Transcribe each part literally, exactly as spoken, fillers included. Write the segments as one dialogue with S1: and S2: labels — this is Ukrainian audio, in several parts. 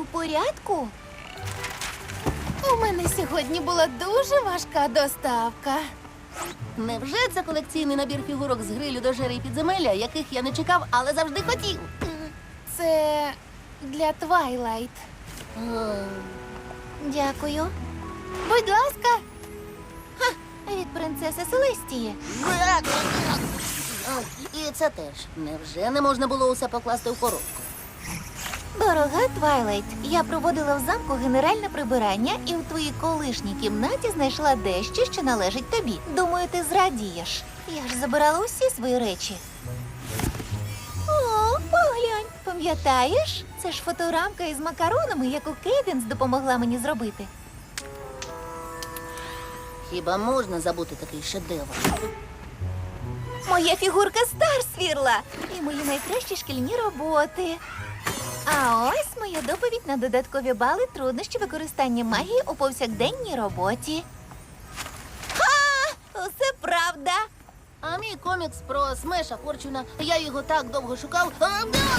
S1: у порядку? У мене сьогодні була дуже важка доставка.
S2: Невже це колекційний набір фігурок з грилю до жери і підземелля, яких я не чекав, але завжди хотів?
S1: Це для Твайлайт.
S2: О,
S1: Дякую. Будь ласка. Ха, від принцеси Селестії.
S2: І це теж. Невже не можна було усе покласти в коробку?
S1: Дорога Твайлайт, я проводила в замку генеральне прибирання і в твоїй колишній кімнаті знайшла дещо, що належить тобі. Думаю, ти зрадієш. Я ж забирала усі свої речі. О, поглянь, пам'ятаєш? Це ж фоторамка із макаронами, яку Кейденс допомогла мені зробити.
S2: Хіба можна забути такий шедевр?
S1: Моя фігурка Старсвірла і мої найкращі шкільні роботи. А ось моя доповідь на додаткові бали труднощі використання магії у повсякденній роботі. Ха! Усе правда.
S2: А мій комікс про Смеша Форчуна, я його так довго шукав. А, да!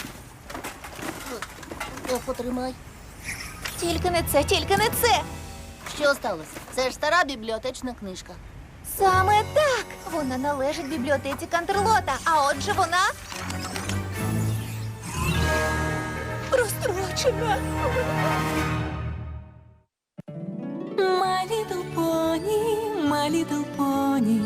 S2: О, потримай.
S1: Тільки не це, тільки не це.
S2: Що сталося? Це ж стара бібліотечна книжка.
S1: Саме так. Вона належить бібліотеці Кантерлота, а отже вона розстрочена.
S3: My little pony, my little pony.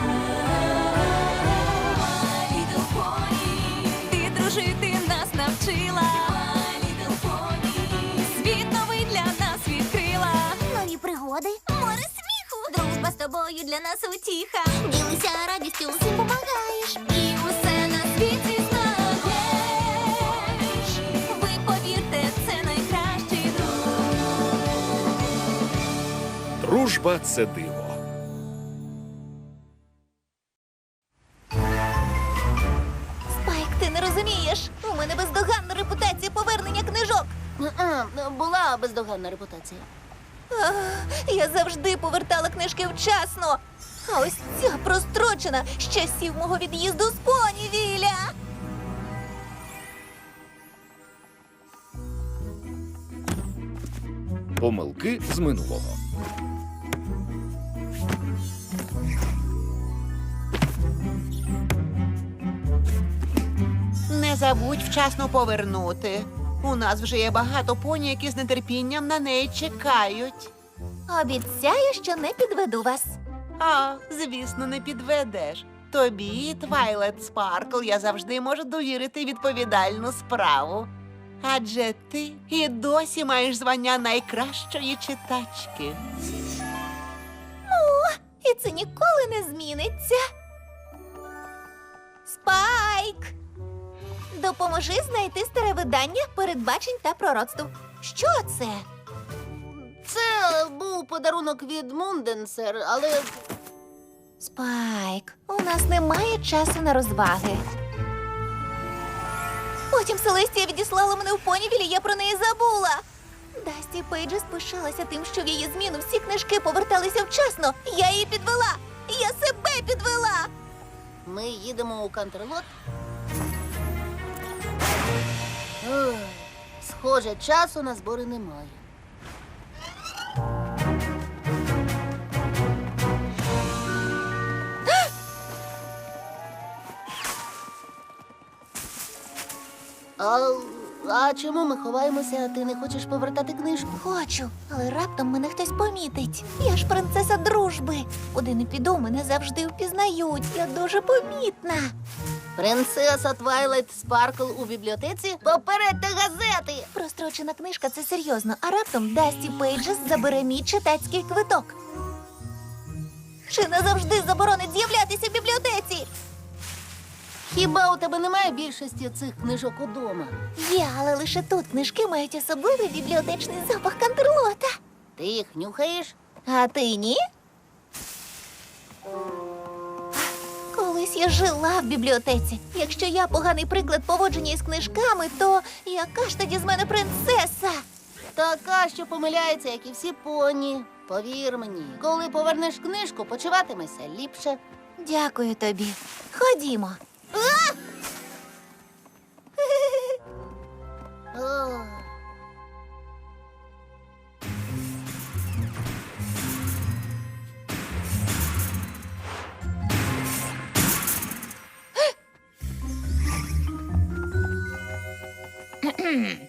S3: My little pony. Ти дружити нас навчила. My little pony. Світ новий для нас відкрила.
S4: Нові пригоди, море сміху, дружба з тобою для нас утіха. Ділися радістю, всім помагаєш.
S3: І усе на світі знаєш. Ви повірте, це найкращий друг.
S5: Дружба – це диво.
S1: Спайк, ти не розумієш. У мене бездоганна репутація повернення книжок.
S2: Е-е, Була бездоганна репутація.
S1: Ах, я завжди повертала книжки вчасно. А ось ця прострочена з часів мого від'їзду з Понівіля.
S5: Помилки з минулого.
S6: Не забудь вчасно повернути. У нас вже є багато поні, які з нетерпінням на неї чекають.
S1: Обіцяю, що не підведу вас.
S6: А, звісно, не підведеш. Тобі, Твайлайт Спаркл, я завжди можу довірити відповідальну справу. Адже ти і досі маєш звання найкращої читачки.
S1: І це ніколи не зміниться. Спайк! Допоможи знайти старе видання передбачень та пророцтв. Що це?
S2: Це був подарунок від Мунденсер, але
S1: Спайк, у нас немає часу на розваги. Потім Селестія відіслала мене в Понівілі, я про неї забула. Дасті Пейджес пишалася тим, що в її зміну всі книжки поверталися вчасно. Я її підвела. Я себе підвела.
S2: ми їдемо у Кантерлот. Ох, Схоже, часу на збори немає. А, а чому ми ховаємося, а ти не хочеш повертати книжку?
S1: Хочу, але раптом мене хтось помітить. Я ж принцеса дружби. Куди не піду, мене завжди впізнають. Я дуже помітна.
S2: Принцеса Твайлайт Спаркл у бібліотеці? Попередьте газети!
S1: Прострочена книжка — це серйозно, а раптом Дасті Пейджес забере мій читацький квиток. Чи назавжди заборонить з'являтися в бібліотеці?
S2: Хіба у тебе немає більшості цих книжок удома?
S1: Є, але лише тут книжки мають особливий бібліотечний запах Кантерлота.
S2: Ти їх нюхаєш?
S1: А ти ні? Колись я жила в бібліотеці. Якщо я поганий приклад поводження із книжками, то яка ж тоді з мене принцеса?
S2: Така, що помиляється, як і всі поні. Повір мені, коли повернеш книжку, почуватимешся ліпше.
S1: Дякую тобі. Ходімо.
S2: Ох,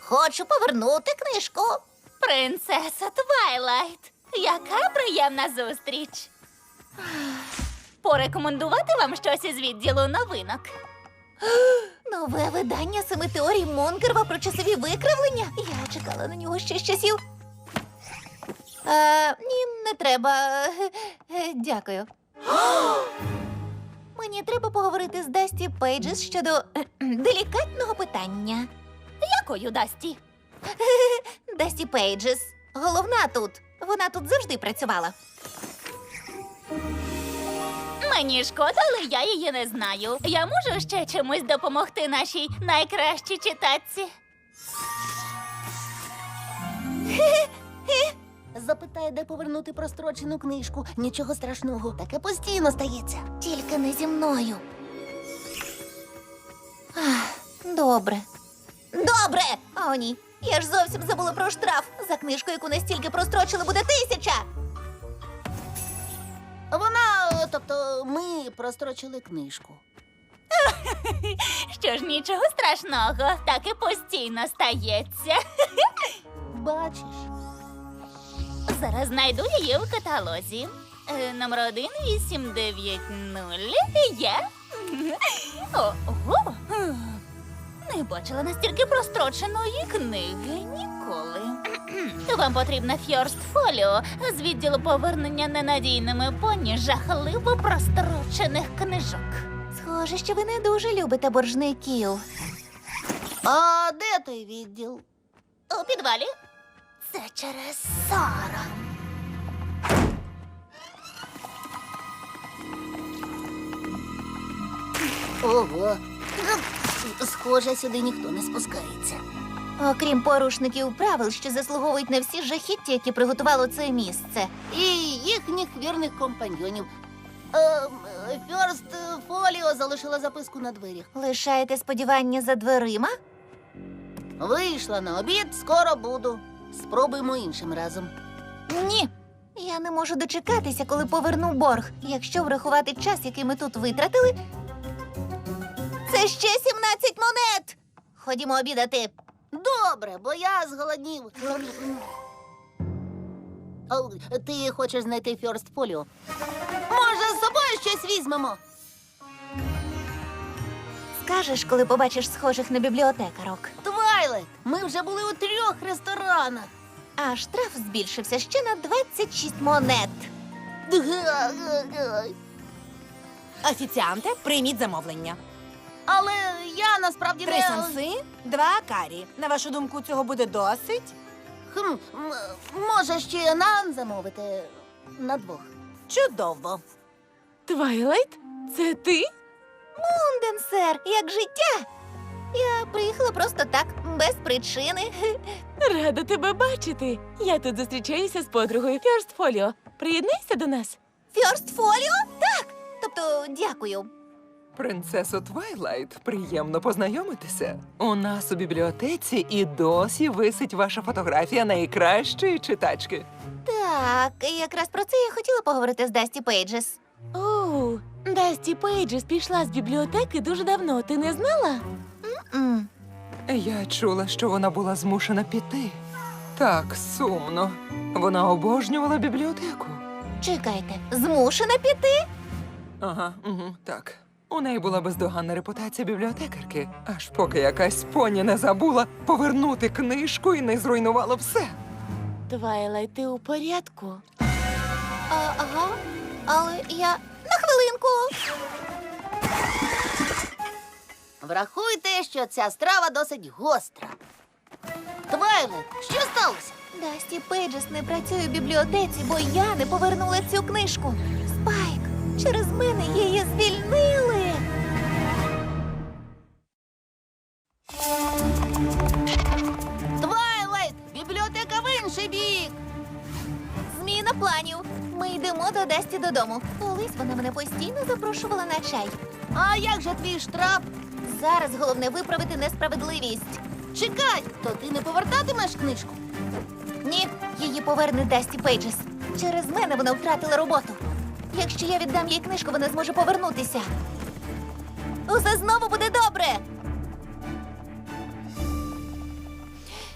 S2: хочу повернути книжку.
S3: Принцеса Твайлайт, яка приємна зустріч. Порекомендувати вам щось із відділу новинок.
S1: Нове видання семи теорій Монкерва про часові викривлення. Я чекала на нього ще з часів. Е, ні, не треба. Е, е, Дякую. Мені треба поговорити з Дасті Пейджес щодо е, делікатного питання.
S3: Якою Дасті?
S1: Дасті Пейджес. Головна тут. Вона тут завжди працювала.
S3: Мені шкода, але я її не знаю. Я можу ще чимось допомогти нашій найкращій читачці?
S2: Запитає, де повернути прострочену книжку. Нічого страшного, таке постійно стається.
S1: Тільки не зі мною. Ах, добре. Добре! О, ні. Я ж зовсім забула про штраф. За книжку, яку настільки прострочили, буде тисяча.
S2: Вона, тобто, ми прострочили книжку.
S3: Що ж, нічого страшного, так і постійно стається.
S2: Бачиш?
S3: Зараз знайду її у каталозі. Е, Номер один вісім дев'ять нуль. Є. Ого. Не бачила настільки простроченої книги ніколи. Вам потрібна Фьорст Фоліо з відділу повернення ненадійними поні жахливо прострочених книжок.
S1: Схоже, що ви не дуже любите боржників.
S2: А де той відділ?
S3: У підвалі. Це через Сара.
S2: Ого. Схоже, сюди ніхто не спускається.
S1: Окрім порушників правил, що заслуговують на всі жахіття, які приготувало це місце.
S2: І їхніх вірних компаньйонів. Ем, Фьорст Фоліо залишила записку на дверях.
S1: Лишаєте сподівання за дверима?
S2: Вийшла на обід, скоро буду. Спробуємо іншим разом.
S1: Ні. Я не можу дочекатися, коли поверну борг. Якщо врахувати час, який ми тут витратили, це ще сімнадцять монет. Ходімо обідати.
S2: Добре, бо я зголоднів. О, ти хочеш знайти Фьорст Фоліо? Може, з собою щось візьмемо?
S1: Скажеш, коли побачиш схожих на бібліотекарок.
S2: Твайлайт, ми вже були у трьох ресторанах.
S1: А штраф збільшився ще на двадцять шість монет.
S7: Офіціанте, прийміть замовлення.
S2: Але я насправді
S7: Три
S2: не...
S7: санси, два карі. На вашу думку, цього буде досить?
S2: Хм, м, може, ще нан замовити на двох.
S7: Чудово. Твайлайт, це ти?
S1: Мунден, сер, як життя. Я приїхала просто так, без причини.
S8: Рада тебе бачити. Я тут зустрічаюся з подругою Фьорст Фоліо. Приєднайся до нас.
S1: Фьорст Фоліо? Так. Тобто, дякую.
S9: Принцесо Твайлайт, приємно познайомитися. У нас у бібліотеці і досі висить ваша фотографія найкращої читачки.
S1: Так, якраз про це я хотіла поговорити з Дасті Пейджес.
S8: Оу, Дасті Пейджес пішла з бібліотеки дуже давно. Ти не знала?
S1: М.
S9: Я чула, що вона була змушена піти. Так сумно. Вона обожнювала бібліотеку.
S1: Чекайте, змушена піти?
S9: Ага, угу, так. У неї була бездоганна репутація бібліотекарки, аж поки якась поні не забула повернути книжку і не зруйнувала все.
S8: Твайлайт, ти у порядку?
S1: А, ага, але я... На хвилинку!
S2: Врахуйте, що ця страва досить гостра. Твайлайт, що сталося?
S1: Дасті Пейджес не працює в бібліотеці, бо я не повернула цю книжку. Спайк, через мене її звільнили.
S2: Твайлайт, бібліотека в інший бік.
S1: Зміна планів. Ми йдемо до Дасті додому. Колись вона мене постійно запрошувала на чай.
S2: А як же твій штраф?
S1: Зараз головне виправити несправедливість.
S2: Чекай, то ти не повертатимеш книжку?
S1: Ні, її поверне Дасті Пейджес. Через мене вона втратила роботу. Якщо я віддам їй книжку, вона зможе повернутися. Усе знову буде добре.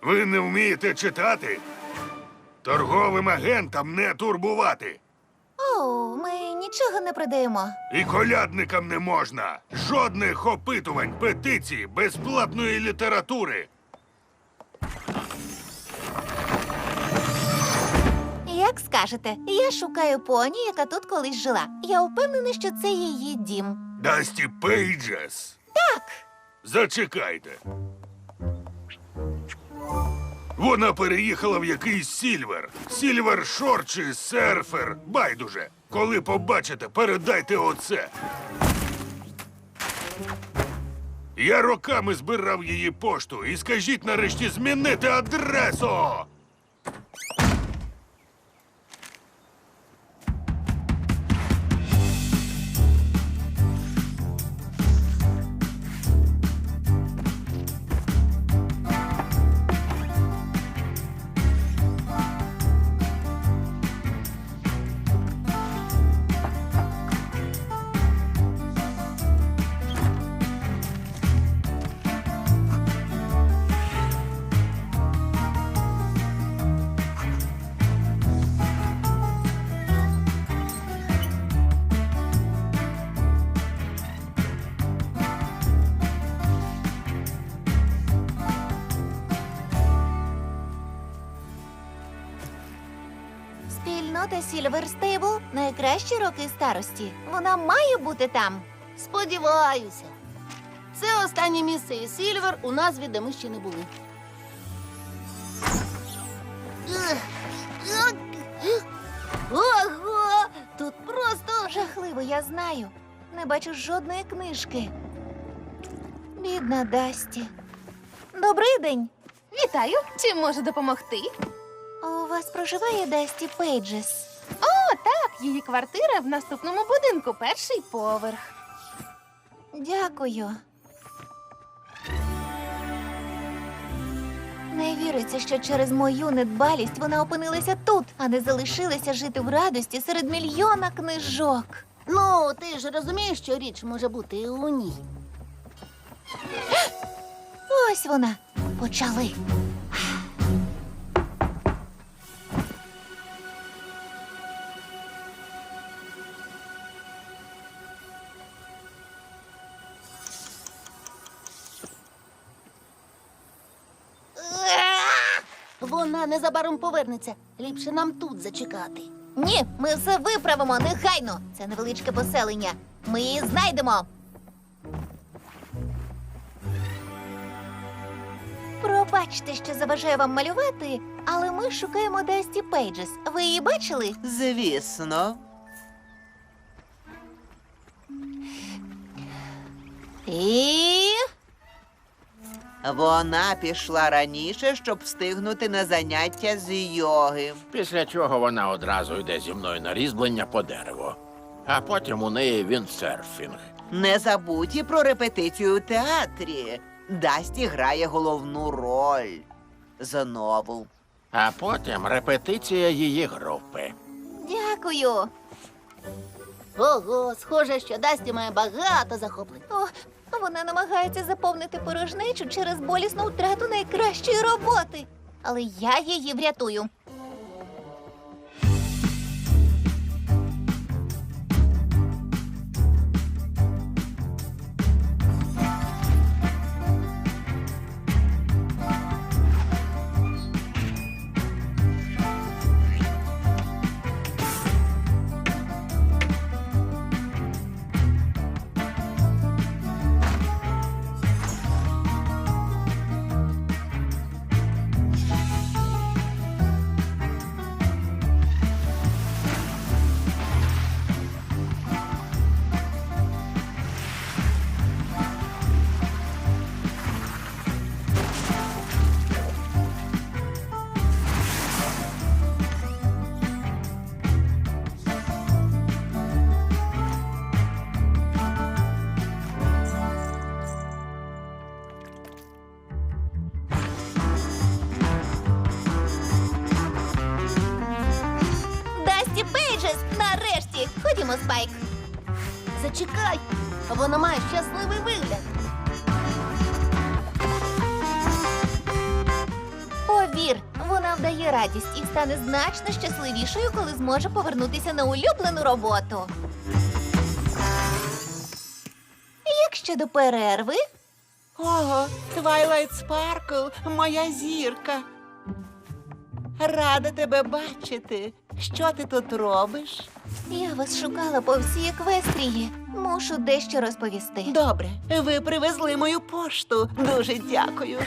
S10: Ви не вмієте читати? Торговим агентам не турбувати.
S1: О, ми нічого не продаємо.
S10: І колядникам не можна. Жодних опитувань, петицій, безплатної літератури.
S1: Як скажете, я шукаю поні, яка тут колись жила. Я впевнена, що це її дім.
S10: Дасті Пейджес.
S1: Так,
S10: Зачекайте. Вона переїхала в якийсь Сільвер. Сільвер Шор чи серфер. Байдуже. Коли побачите, передайте оце. Я роками збирав її пошту і скажіть нарешті змінити адресу.
S1: спільнота Сільвер Стейбл – найкращі роки старості. Вона має бути там.
S2: Сподіваюся. Це останнє місце і Сільвер у назві, де ми ще не були. Ого! Тут просто
S1: Жахливо, я знаю. Не бачу жодної книжки. Бідна Дасті. Добрий день.
S3: Вітаю! Чим можу допомогти?
S1: У вас проживає Дасті Пейджес?
S3: О, так, її квартира в наступному будинку, перший поверх.
S1: Дякую. Не віриться, що через мою недбалість вона опинилася тут, а не залишилася жити в радості серед мільйона книжок.
S2: Ну, ти ж розумієш, що річ може бути і у ній.
S1: Ось вона. Почали.
S2: Вона незабаром повернеться. Ліпше нам тут зачекати.
S1: Ні, ми все виправимо негайно. Це невеличке поселення. Ми її знайдемо. Пробачте, що заважаю вам малювати, але ми шукаємо Дасті Пейджес. Ви її бачили?
S6: Звісно.
S1: І...
S6: Вона пішла раніше, щоб встигнути на заняття з йоги.
S11: Після чого вона одразу йде зі мною на різьблення по дереву. А потім у неї віндсерфінг.
S6: Не забудь і про репетицію у театрі. Дасті грає головну роль. Знову.
S11: А потім репетиція її групи.
S1: Дякую.
S2: Ого, схоже, що Дасті має багато захоплень.
S1: О, вона намагається заповнити порожнечу через болісну втрату найкращої роботи. Але я її врятую. Дасті Пейджес, нарешті! Ходімо, Спайк.
S2: Зачекай, вона має щасливий вигляд.
S1: відчує радість і стане значно щасливішою, коли зможе повернутися на улюблену роботу. Як щодо перерви?
S6: Ого, Твайлайт Спаркл, моя зірка. Рада тебе бачити. Що ти тут робиш?
S1: Я вас шукала по всій Еквестрії. Мушу дещо розповісти.
S6: Добре, ви привезли мою пошту. Дуже дякую.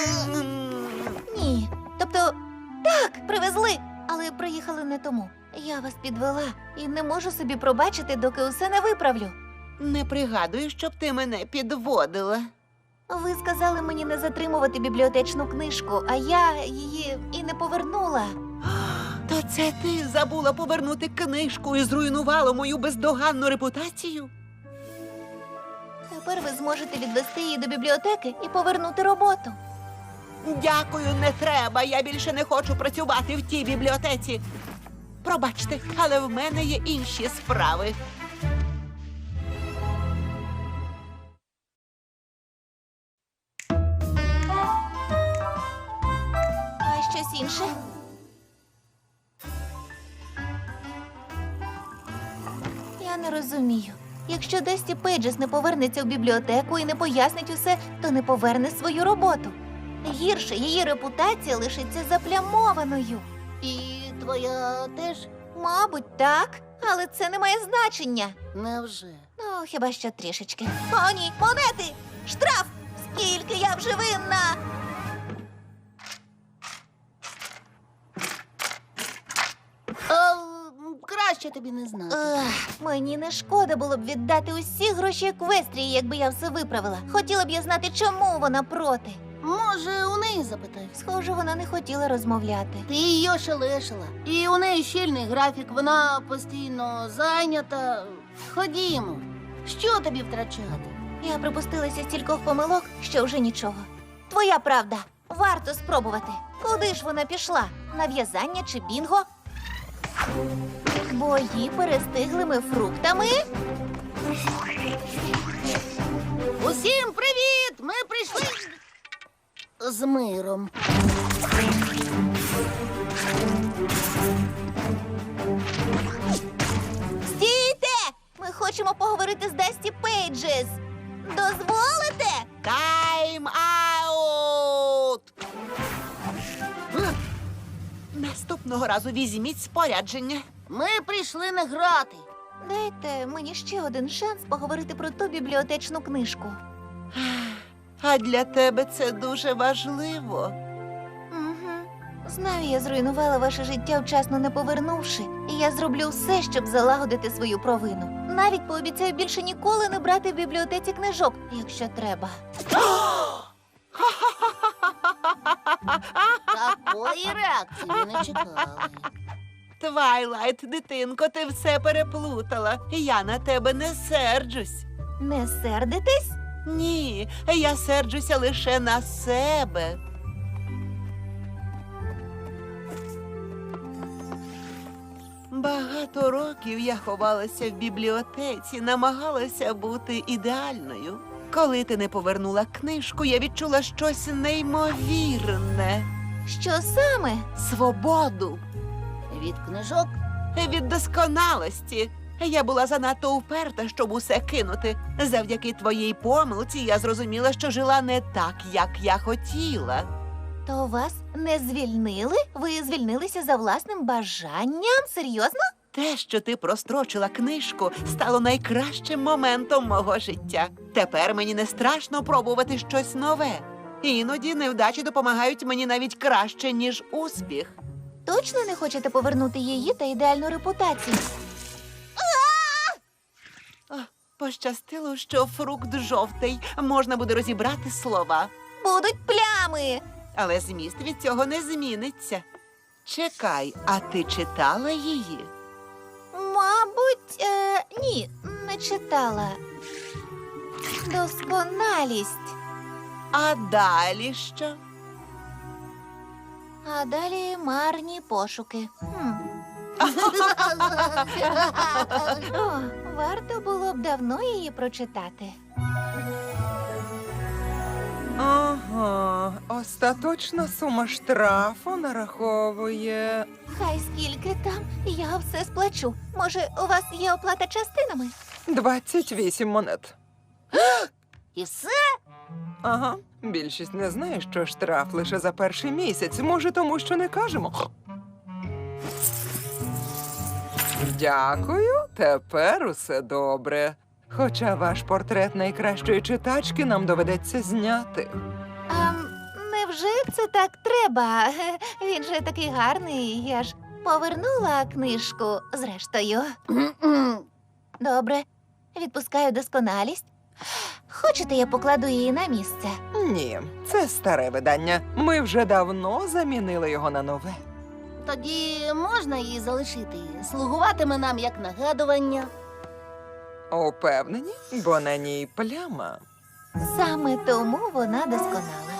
S1: Ні. Тобто, так, привезли, але приїхали не тому. Я вас підвела і не можу собі пробачити, доки усе не виправлю.
S6: Не пригадую, щоб ти мене підводила.
S1: Ви сказали мені не затримувати бібліотечну книжку, а я її і не повернула.
S6: То це ти забула повернути книжку і зруйнувала мою бездоганну репутацію?
S1: Тепер ви зможете відвести її до бібліотеки і повернути роботу.
S6: Дякую, не треба. Я більше не хочу працювати в тій бібліотеці. Пробачте, але в мене є інші справи.
S1: А щось інше? Я не розумію. Якщо Дасті Пейджес не повернеться в бібліотеку і не пояснить усе, то не поверне свою роботу. Гірше, її репутація лишиться заплямованою.
S2: І твоя теж?
S1: Мабуть, так, але це не має значення.
S2: Невже?
S1: Ну, хіба що трішечки. О, ні, монети! Штраф! Скільки я вже винна!
S2: А, краще тобі не знати.
S1: Ех, мені не шкода було б віддати усі гроші Еквестрії, якби я все виправила. Хотіла б я знати, чому вона проти.
S2: Може, у неї запитай.
S1: Схоже, вона не хотіла розмовляти.
S2: Ти її ошелешила. І у неї щільний графік, вона постійно зайнята. Ходімо. Що тобі втрачати?
S1: Я припустилася стількох помилок, що вже нічого. Твоя правда. Варто спробувати. Куди ж вона пішла? На в'язання чи бінго? Бої перестиглими фруктами?
S2: Усім привіт! Ми прийшли з миром.
S1: Стійте! Ми хочемо поговорити з Дасті Пейджес. Дозволите?
S6: Тайм аут! Наступного разу візьміть спорядження.
S2: Ми прийшли не грати.
S1: Дайте мені ще один шанс поговорити про ту бібліотечну книжку.
S6: А для тебе це дуже важливо.
S1: Угу. Знаю, я зруйнувала ваше життя, вчасно не повернувши. І я зроблю все, щоб залагодити свою провину. Навіть пообіцяю більше ніколи не брати в бібліотеці книжок, якщо треба.
S2: Такої реакції ми не чекали.
S6: Твайлайт, дитинко, ти все переплутала. Я на тебе не серджусь.
S1: Не сердитесь?
S6: Ні, я серджуся лише на себе. Багато років я ховалася в бібліотеці, намагалася бути ідеальною. Коли ти не повернула книжку, я відчула щось неймовірне.
S1: Що саме?
S6: Свободу.
S2: Від книжок?
S6: Від досконалості. Я була занадто уперта, щоб усе кинути. Завдяки твоїй помилці я зрозуміла, що жила не так, як я хотіла.
S1: То вас не звільнили? Ви звільнилися за власним бажанням? Серйозно?
S6: Те, що ти прострочила книжку, стало найкращим моментом мого життя. Тепер мені не страшно пробувати щось нове. Іноді невдачі допомагають мені навіть краще, ніж успіх.
S1: Точно не хочете повернути її та ідеальну репутацію?
S6: О, пощастило, що фрукт жовтий. Можна буде розібрати слова.
S1: Будуть плями!
S6: Але зміст від цього не зміниться. Чекай, а ти читала її?
S1: Мабуть, е, ні, не читала. Досконалість.
S6: А далі що?
S1: А далі марні пошуки. Хм. О, варто було б давно її прочитати.
S9: Ага, Остаточна сума штрафу нараховує.
S1: Хай скільки там, я все сплачу. Може, у вас є оплата частинами?
S9: двадцять вісім монет.
S2: І все?
S9: Ага, більшість не знає, що штраф лише за перший місяць. Може, тому що не кажемо. Дякую, тепер усе добре. Хоча ваш портрет найкращої читачки нам доведеться зняти.
S1: А невже це так треба? Він же такий гарний, я ж повернула книжку зрештою. Добре, відпускаю досконалість. Хочете, я покладу її на місце?
S9: Ні, це старе видання. Ми вже давно замінили його на нове.
S2: Тоді можна її залишити. Слугуватиме нам як нагадування.
S9: Упевнені, бо на ній пляма.
S1: Саме тому вона досконала.